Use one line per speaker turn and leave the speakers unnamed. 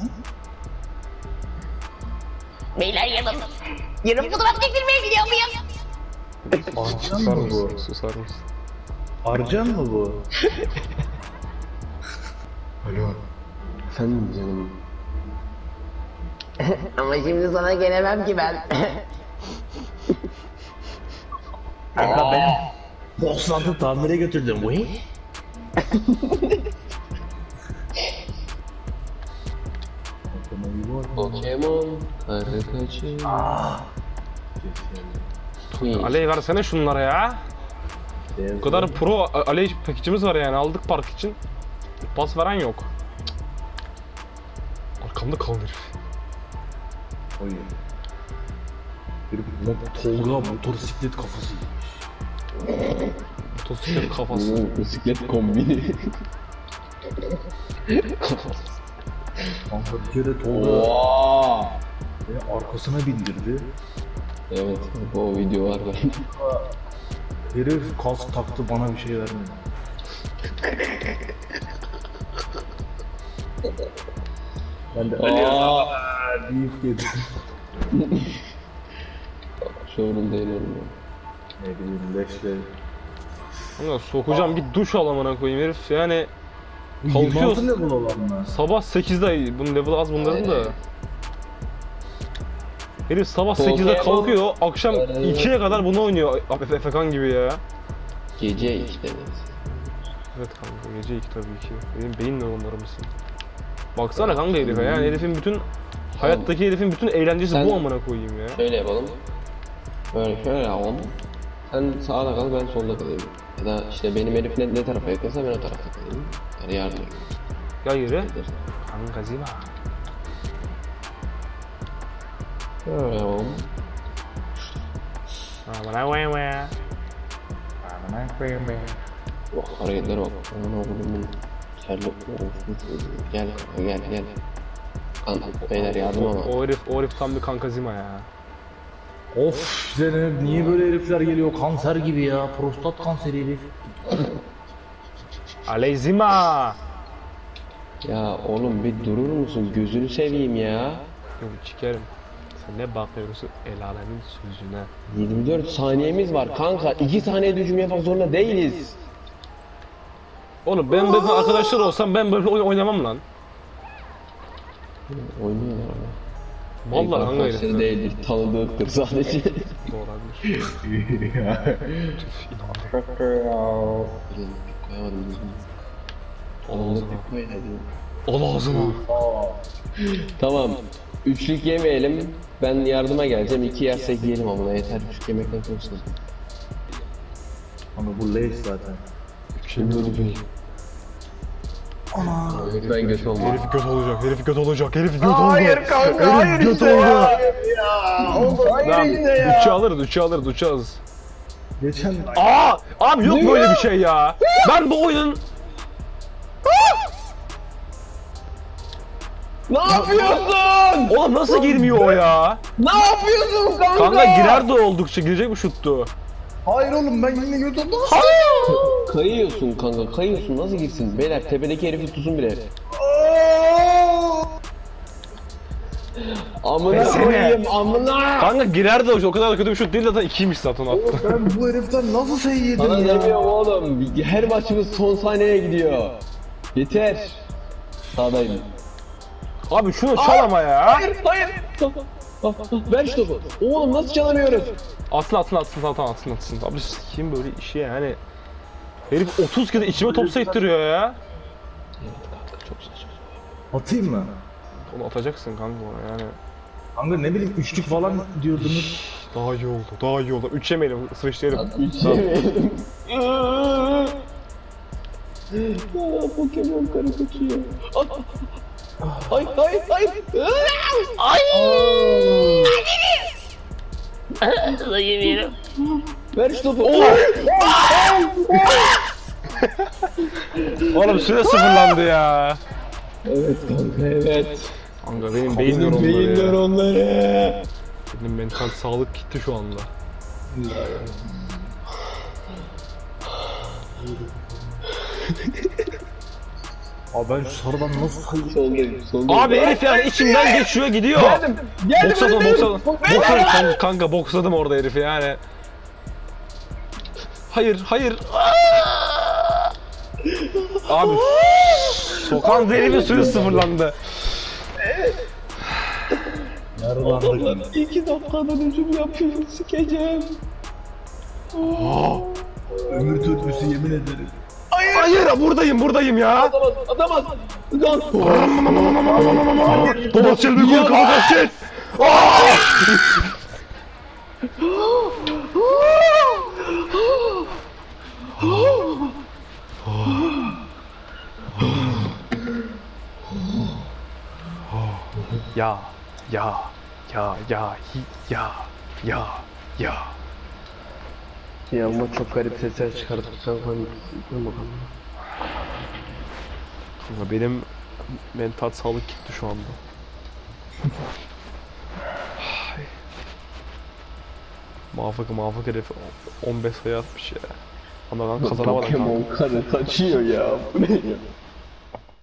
Beyler yarın fotoğraf çektirmeye gidiyor muyum?
Susar mısın? Susar mısın?
Arcan mı bu?
Alo.
Efendim canım.
Ama şimdi sana gelemem ki ben.
Kanka ben Bosnat'ı tamire götürdüm. Vay.
Pokemon karı kaçı.
Aley versene şunlara ya. Bu kadar pro Aley paketimiz var yani, aldık park için. Pas veren yok. Arkamda kaldı herif.
Hayır. Bir Tolga motosiklet kafası.
Motosiklet kafası.
Bisiklet kombini.
Kanka bir kere Tolga beni arkasına bindirdi.
Evet, o video var ben.
Herif kask taktı, bana bir şey vermedi. Ben de deyip yedim.
Sorun değil oğlum.
Ne bileyim leşle.
Ama sokacağım, bir duş al amına koyayım herif yani.
26
Kalkıyoruz.
level olan mı?
Sabah 8'de, bunun level az bunların da. Herif sabah
Pokemon
8'de kalkıyor, akşam
karı.
2'ye kadar bunu oynuyor. Efekan gibi ya.
Gece işte.
Evet kanka, gece 2 tabii ki. Benim beyin nöronları mısın? Baksana kanka herife, yani herifin bütün hayattaki herifin bütün eğlencesi
Sen-
bu amına koyayım ya.
Şöyle yapalım. Böyle şöyle yapalım. Sen sağda kal, ben solda kalayım. Ya da işte benim herif ne tarafa yakınsa ben o tarafa kalayım. Yani yardım edeyim.
Ya yürü. Kanka zima.
Şöyle yapalım.
Amına koyayım ya.
Oh, hareketlere bak. Aman oğlum. Terlik. Gel kanka, gel. Kanka beyler yardım ama.
O herif tam bir kanka zima ya.
Of Zeynep, niye böyle herifler geliyor? Kanser gibi ya. Prostat kanseri herif.
Aley zima.
Ya oğlum bir durur musun? Gözünü seveyim ya.
Yok çikerim. Sen ne bakıyorsun el alemin sözüne.
24 saniyemiz var kanka. 2 saniyede hücum yapmak zorunda değiliz.
Oğlum ben böyle arkadaşlar olsam ben böyle oyun oynamam lan.
Oynuyorlar ama.
Vallahi kanka
Arkadaşları
herifler.
değildir, tanıdıktır sadece.
Doğru olabilir.
Koyamadım düzgün.
Al ağzına.
Koyamadım.
Al ağzına.
Tamam. Üçlük yemeyelim. Ben yardıma geleceğim. 2 yersek yiyelim ama yeter. Üçlük yemekten çok sıkıntı.
Ama bu leş zaten.
Şimdi ölecek.
Ben göt olmam.
Herif göt olacak, herif göt olacak, herif göt oldu. Hayır kanka, herif göt oldu. Hayır işte ya. Üçü alırız.
Geçen
Abi yok böyle bir şey ya. Ben bu oyunun...
Ne yapıyorsun?
Oğlum nasıl girmiyor o ya?
Ne yapıyorsun kanka?
Kanka girer de oldukça girecek mi şuttu?
hayır oğlum, ben yine götürdüm.
Kayıyorsun kanka, kayıyorsun. Nasıl girsin? Beyler tepedeki herifi tutun bile. Amına
Desene.
koyayım, amına.
Kanka girer de o kadar da kötü bir şut değil, zaten 2'ymiş zaten attı.
Ben bu heriften nasıl şey yedim
Sana
ya?
demiyorum oğlum. Her maçımız son saniyeye gidiyor. Yeter. Sağdayım.
Abi şunu çal ama ya.
Hayır. Ver şu topu. Oğlum nasıl çalamıyoruz?
Atsın. Abi kim böyle işi yani. Herif 30 kere içime top sektiriyor ya.
Evet kanka çok saçma.
Atayım mı?
Onu atacaksın kanka ona yani.
Kanka ne bileyim, üçlük falan diyordunuz.
Daha iyi oldu. 3 yemeyelim, sıvışlayalım.
Üç yemeyelim. Pokemon karı kaçıyor. Ay.
Yemeyelim.
Ver şu topu.
Oğlum süre sıfırlandı ya.
Evet kanka evet.
Kanka benim beyin nöronları
Beyin
ya.
nöronları.
Benim mental sağlık gitti şu anda.
Abi ben şu sarıdan nasıl sayayım?
Soldayım, soldayım.
Abi herif yani içimden geçiyor gidiyor.
Geldim
Boksladım
önündeyim.
boksladım kanka boksladım orada herifi yani. Hayır hayır. Abi sokan herifi suyu sıfırlandı.
Yarılandık.
2 dakikadan hücum yapıyor, sikeceğim.
Ömür törpüsü yemin ederim.
Hayır buradayım ya.
Atamaz. Lan.
Baba çelme koy kafa kasket. Ya ya ya ya ya ya ya.
Ya ama çok garip sesler çıkardık kanka. Dur bakalım.
Kanka benim mental sağlık gitti şu anda. Ay. Mafık herif 15 sayı atmış ya. Ama ben kazanamadım kanka.
Pokemon karı kaçıyor ya. Bu ne ya?